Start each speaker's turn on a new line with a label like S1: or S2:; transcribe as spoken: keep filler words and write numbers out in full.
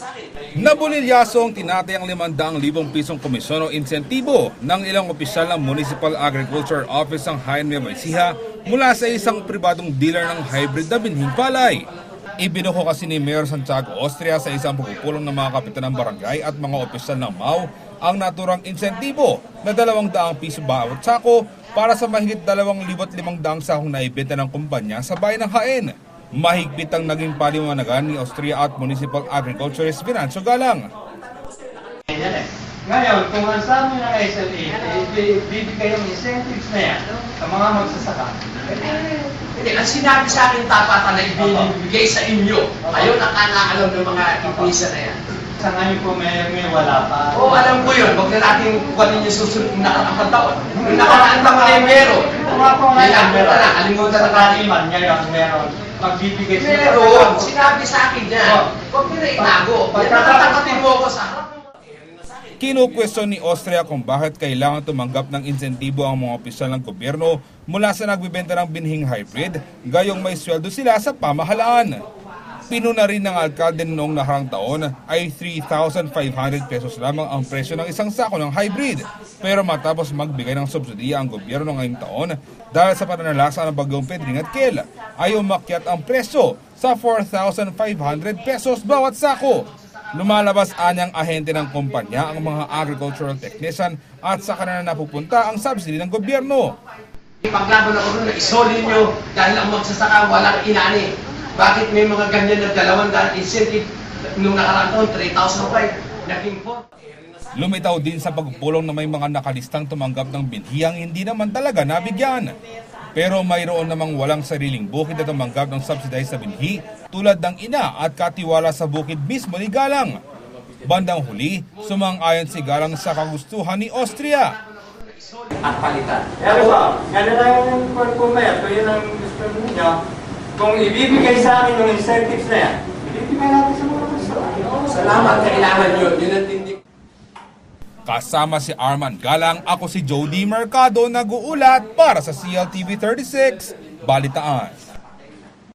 S1: Nabulilyaso ang tinatayang limandang libong pisong komisyon o insentibo ng ilang opisyal ng Municipal Agriculture Office ng Hayan Nueva Ecija mula sa isang pribadong dealer ng hybrid na binhing palay. Ibinuko kasi ni Mayor Santiago Austria sa isang pagpupulong ng mga kapitan ng barangay at mga opisyal ng M A U ang naturang insentibo na dalawang daang piso bawat sako para sa mahigit dalawang libot limang daang sakong naibenta ng kumpanya sa bayan ng Hayan. Mahigpit ang naging paliwanagan ni Austria at Municipal Agriculturist Venancio Galang.
S2: Ngayon, kung ang sabi ng S L A, bibigay yung incentives na yan sa mga magsasaka.
S3: Hindi, ang sinabi sa akin tapatan na ibinibigay sa inyo, ayaw nakakaalam ng mga ipisa na yan.
S2: Sa ngayon po may, may wala pa.
S3: Oo, alam ko yun. Huwag na natin kuwanin yung susunod ng nakaraang taon. Yung nakaraang taon ay meron.
S2: Kung ako ngayon,
S3: Kalimutan na, kalimutan na natin.
S2: Ngayon, meron. Magbibigay sa
S3: Meron. Sinabi sa akin yan. Huwag mo na itago. Nakatakatin mo ako sa harap.
S1: Kinukwestiyon ni Austria kung bakit kailangan tumanggap ng insentibo ang mga opisyal ng gobyerno mula sa nagbibenta ng binhing hybrid, gayong may sweldo sila sa pamahalaan. Pinuna rin ng alkalde noong naharang taon ay three thousand five hundred pesos lamang ang presyo ng isang sako ng hybrid. Pero matapos magbigay ng subsidiya ang gobyerno ngayong taon dahil sa pananalasa ng bagyong Pedring at Kel, ay umakyat ang presyo sa four thousand five hundred pesos bawat sako. Lumalabas anyang ahente ng kumpanya ang mga agricultural technician at sa kanila napupunta ang subsidy ng gobyerno.
S3: Paglaban ako nun na isoli nyo dahil ang magsasaka walang inani. Bakit may mga ganyan na dalawang daan incentive nung nakaraang taon, three thousand five, naging four?
S1: Lumitaw din sa pagpulong na may mga nakalistang tumanggap ng binhiyang hindi naman talaga nabigyan. Pero mayroon namang walang sariling bukid na tumanggap ng subsidized sa binhi tulad ng ina at katiwala sa bukid mismo ni Galang. Bandang huli, sumang-ayon si Galang sa kagustuhan ni Austria.
S3: At palitan.
S2: Pero ba, gano'n lang yung pag-pumayat, kung yun ang gusto niya, kung ibibigay sa akin yung incentives na yan, ibibigay natin sa mga gusto.
S3: Salamat, kailangan yun. Yun ang tindig.
S1: Kasama si Arman Galang, ako si Jody Mercado, nag-uulat para sa C L T V thirty-six, Balitaan.